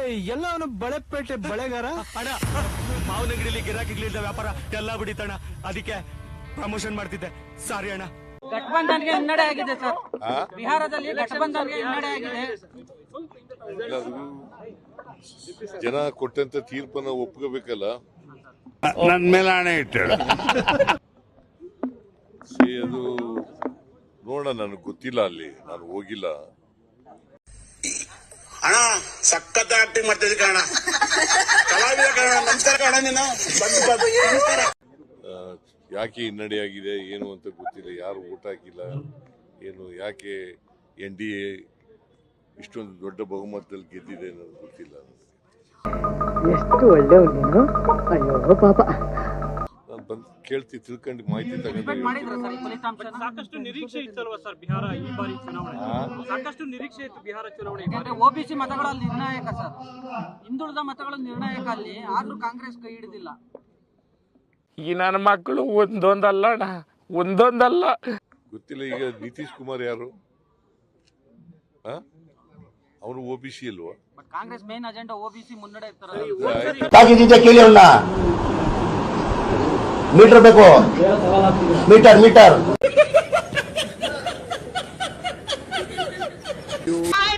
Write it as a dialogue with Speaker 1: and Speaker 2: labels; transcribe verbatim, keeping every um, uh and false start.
Speaker 1: ಎಲ್ಲವನು ಬಳೆಪೇಟೆ ಬಳೆಗಾರ
Speaker 2: ಅಣ್ಣ ಮಾವನಗಿರಿಲಿ ಗಿರಾಕಿಗಳಿಂದ ವ್ಯಾಪಾರ ಎಲ್ಲ ಬಿಡಿತಣ್ಣ, ಅದಕ್ಕೆ ಪ್ರಮೋಷನ್ ಮಾಡ್ತಿದ್ದೆ. ಸಾರಿ ಅಣ್ಣ.
Speaker 3: ಗಠಬಂಧನ್ಗೆ ಹಿನ್ನಡೆ ಆಗಿದೆ ಸರ್. ಬಿಹಾರದಲ್ಲಿ ಗಠಬಂಧನ್ಗೆ ಹಿನ್ನಡೆ ಆಗಿದೆ.
Speaker 4: ಜನ ಕೊಟ್ಟಂತ ತೀರ್ಪನ್ನ ಒಪ್ಕೋಬೇಕಲ್ಲ.
Speaker 5: ನನ್ನ ಮೇಲೆ ಹಣೆ ಇಟ್ಟಳು.
Speaker 4: ಅದು ನೋಡ, ನನಗೆ ಗೊತ್ತಿಲ್ಲ, ಅಲ್ಲಿ ನಾನು ಹೋಗಿಲ್ಲ.
Speaker 6: ಅಣ್ಣ ಸಖತ್ ಆಕ್ಟಿಂಗ್ ಮಾಡ್ತಿದ್ದೆ ಕಣ, ಕಲಾವಿದ ಕಣ. ನಮಸ್ಕಾರ ಕಣ. ನೀನು
Speaker 4: ಯಾಕೆ ಹಿನ್ನಡೆಯಾಗಿದೆ ಏನು ಅಂತ ಗೊತ್ತಿಲ್ಲ. ಯಾರು ಓಟ್ ಹಾಕಿಲ್ಲ ಏನು, ಯಾಕೆ ಎನ್ ಡಿ ಎ ಇಷ್ಟೊಂದು ದೊಡ್ಡ ಬಹುಮತದಲ್ಲಿ ಗೆದ್ದಿದೆ ಅನ್ನೋದು ಗೊತ್ತಿಲ್ಲ.
Speaker 7: ಎಷ್ಟು ಒಳ್ಳೆಯವ್ರು ನೀನು. ಅಯ್ಯೋ ಪಾಪ.
Speaker 4: ನಾನು ಬಂದು ಕೇಳ್ತಿ ತಿಳ್ಕೊಂಡು ಮಾಹಿತಿ ತಗೊಂಡು.
Speaker 8: ಸಾಕಷ್ಟು ನಿರೀಕ್ಷೆ ಇತ್ತಲ್ವಾ ಸರ್ ಬಿಹಾರ ಈ ಬಾರಿ ಚುನಾವಣೆ? ಸಾಕಷ್ಟು ನಿರೀಕ್ಷೆ ಇತ್ತು ಬಿಹಾರ ಚುನಾವಣೆ.
Speaker 3: ಯಾಕಂದ್ರೆ ಒಬಿಸಿ ಮತಗಳಲ್ಲಿ ನಿರ್ಣಾಯಕ ಸರ್, ಹಿಂದುಳಿದ ಮತಗಳು ನಿರ್ಣಾಯಕ ಅಲ್ಲಿ. ಆದ್ರೂ ಕಾಂಗ್ರೆಸ್ ಕೈ ಹಿಡಿದಿಲ್ಲ.
Speaker 5: ಈ ನನ್ನ ಮಕ್ಕಳು ಒಂದೊಂದಲ್ಲ ಅಣ್ಣ, ಒಂದೊಂದಲ್ಲ.
Speaker 4: ಗೊತ್ತಿಲ್ಲ. ಈಗ ನಿತೀಶ್ ಕುಮಾರ್ ಯಾರು? ಅವನು ಒ ಬಿ ಸಿ ಅಲ್ವಾ?
Speaker 3: ಕಾಂಗ್ರೆಸ್ ಮೇನ್ ಅಜೆಂಡಾ ಒಬಿಸಿ ಮುನ್ನಡೆ ಇರ್ತಾರೆ.
Speaker 9: ಕೇಳಿ ಅಣ್ಣ, ಮೀಟರ್ ಬೇಕು, ಮೀಟರ್ ಮೀಟರ್